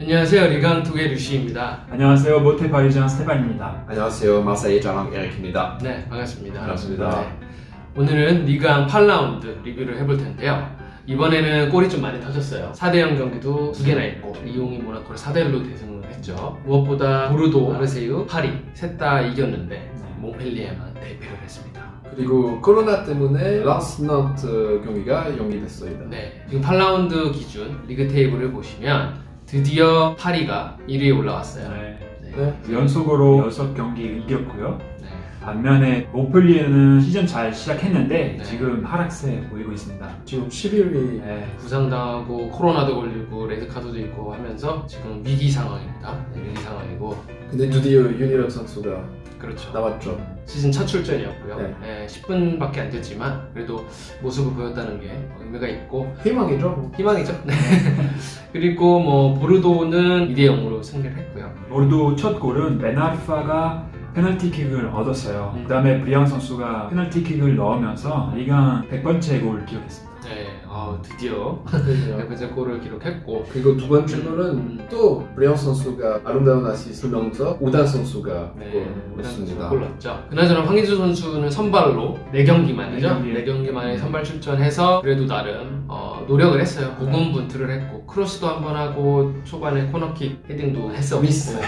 안녕하세요. 리강투의 류시입니다. 안녕하세요. 모테 파리장 스테반입니다. 안녕하세요. 마사이 자랑 에릭입니다. 네, 반갑습니다. 반갑습니다. 네. 오늘은 리강 8라운드 리뷰를 해볼 텐데요. 이번에는 골이 좀 많이 터졌어요. 4대0 경기도 2개나 있고 리옹이 모나코를 4대1로 대승을 했죠. 무엇보다 보르도, 마르세유, 파리 셋 다 이겼는데 몽펠리에만 대패를 했습니다. 그리고 코로나 때문에 라스 난트 경기가 연기됐습니다. 네, 지금 8라운드 기준 리그 테이블을 보시면 드디어 파리가 1위에 올라왔어요. 네. 연속으로 6경기 이겼고요. 네. 반면에 모플리에는 시즌 잘 시작했는데 네. 지금 하락세 보이고 있습니다. 지금 11위. 부상당하고 코로나도 걸리고 레드카드도 있고 하면서 지금 위기 상황입니다. 네, 위기 상황이고 근데 드디어 윤희력 선수가 그렇죠. 나왔죠. 시즌 첫 출전이었고요. 네. 네, 10분밖에 안 됐지만 그래도 모습을 보였다는 게 의미가 있고 희망이죠. 희망이죠. 네. 그리고 뭐 보르도는 2대0으로 승리를 했고요. 모르도 첫 골은 베나르파가 페널티킥을 얻었어요. 그 다음에 브리앙 선수가 페널티킥을 넣으면서 리강 100번째 골을 기록했습니다. 네, 드디어 그래요. 100번째 골을 기록했고 그리고 두 번째 골은 또 브리앙 선수가 아름다운 아시스트 넣으면서 우단 선수가 골을 골 넣었죠. 그나저나 황희주 선수는 선발로 4경기만이죠. 네 경기. 4경기 만에 선발 출전해서 그래도 나름 노력을 했어요. 고군분투를 했고 크로스도 한번 하고 초반에 코너킥 헤딩도 했었고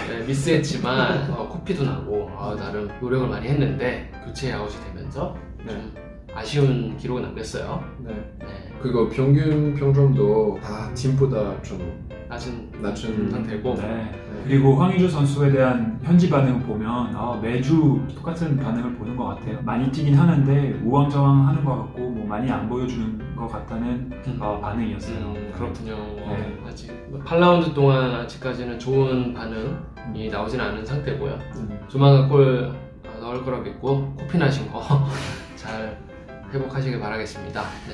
미스했지만 코피도 나고 나름 노력을 많이 했는데 교체 아웃이 되면서 좀 아쉬운 기록을 남겼어요. 네. 네. 그리고 평균 평점도 다 팀보다 좀 낮은 상태고 네. 그리고 황의조 선수에 대한 현지 반응을 보면 매주 똑같은 반응을 보는 것 같아요. 많이 뛰긴 하는데 우왕좌왕 하는 것 같고 뭐 많이 안 보여주는 것 같다는 반응이었어요. 그렇군요. 네. 아직 8라운드 동안 아직까지는 좋은 반응이 나오진 않은 상태고요. 조만간 골 넣을 거라 믿고 코피 나신 거 잘 회복하시길 바라겠습니다. 네.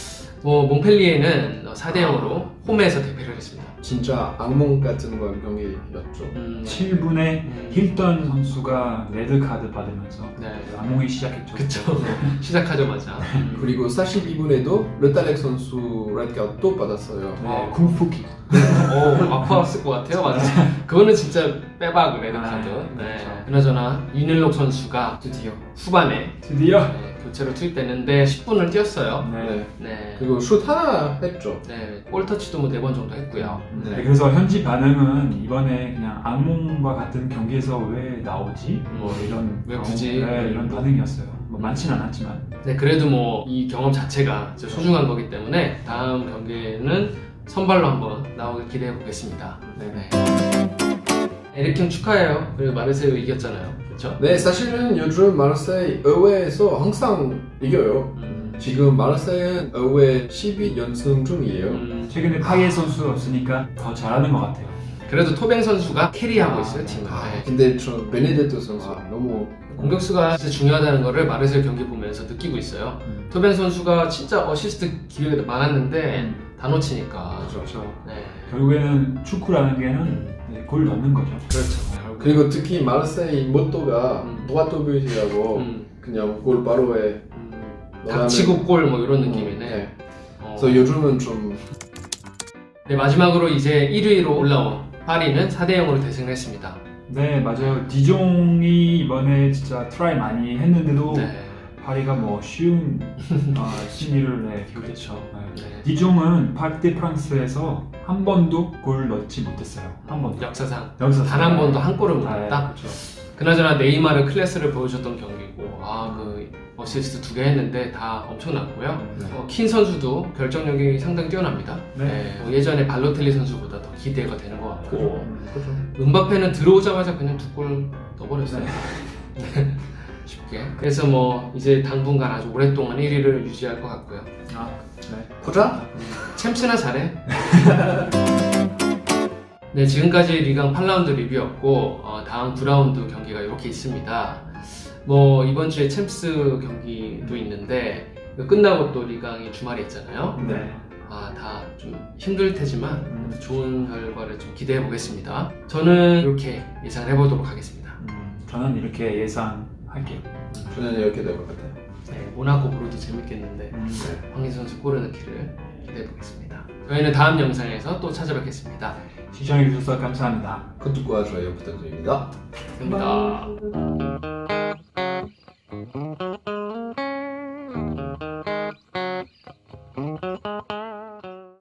몽펠리에는 4대0으로 홈에서 대패를 했습니다. 진짜 악몽 같은 건 경기였죠. 7분에 힐턴 선수가 레드카드 받으면서 네. 악몽이 시작했죠. 그쵸. 시작하자마자. 그리고 42분에도 르탈렉 선수 레드카드 또 받았어요. 쿵푸킥. 아파왔을 것 같아요. 맞아. 그거는 진짜 빼박 레드카드. 네. 그렇죠. 그나저나 윤일록 선수가 드디어. 후반에 드디어 교체로 투입됐는데 10분을 뛰었어요. 네. 네. 그리고 슛 하나 했죠. 네. 볼터치도 뭐 4번 정도 했고요. 네, 그래서 현지 반응은 이번에 그냥 악몽과 같은 경기에서 왜 나오지? 뭐 이런 왜 굳이? 이런 반응이었어요. 뭐 많진 않았지만 네, 그래도 뭐 이 경험 자체가 진짜 소중한 거기 때문에 다음 경기에는 선발로 한번 나오길 기대해 보겠습니다. 네. 에릭 형 축하해요. 그리고 마르세유 이겼잖아요. 그렇죠? 네, 사실은 요즘 마르세이 의회에서 항상 이겨요. 지금 마르세이는 의회 12연승 중이에요. 최근에 파예 선수 없으니까 더 잘하는 것 같아요. 그래도 토뱅 선수가 캐리하고 있어요, 팀을. 네. 근데 저 베네데토 선수 너무 공격수가 진짜 중요하다는 거를 마르세유 경기 보면서 느끼고 있어요. 토뱅 선수가 진짜 어시스트 기회가 많았는데 다 놓치니까. 그렇죠. 네. 결국에는 축구라는 게는 골 넣는 거죠. 그렇죠. 그리고 특히 마르세이 모토가 도아토비라고 그냥 골 바로 해. 닥치고 골 뭐 이런 느낌이네. 네. 그래서 요즘은 좀 네, 마지막으로 이제 1위로 올라온 파리는 4대0으로 대승을 했습니다. 네, 맞아요. 디종이 이번에 진짜 트라이 많이 했는데도 파리가 뭐 쉬운 승리를 기록했죠. 네. 디종은 파르테 프랑스에서 한 번도 골 넣지 못했어요. 한 번도. 역사상 여기서 단 한 번도 한 골을 못 넣었다. 그렇죠. 그나저나 네이마르 클래스를 보여줬던 경기고 그 어시스트 2개 했는데 다 엄청났고요. 킨 선수도 결정력이 상당히 뛰어납니다. 예전에 발로텔리 선수보다 더 기대가 되는 것 같고 음바페는 들어오자마자 그냥 2골 넣어버렸어요. 쉽게. 그래서 뭐 이제 당분간 아주 오랫동안 1위를 유지할 것 같고요. 보자. 챔스나 잘해. 네, 지금까지 리강 8라운드 리뷰였고 다음 9라운드 경기가 이렇게 있습니다. 뭐 이번 주에 챔스 경기도 있는데 끝나고 또 리강이 주말에 있잖아요. 네. 다 좀 힘들 테지만 좋은 결과를 좀 기대해 보겠습니다. 저는 이렇게 예상을 해보도록 하겠습니다. 저는 이렇게 예상할게요. 저는 이렇게 될 것 같아요. 네, 모나코 보르도 재밌겠는데 황희수 선수 골을 넣기를 기대해 보겠습니다. 저희는 다음 영상에서 또 찾아뵙겠습니다. 시청해주셔서 감사합니다. 구독과 좋아요 부탁드립니다. 감사합니다.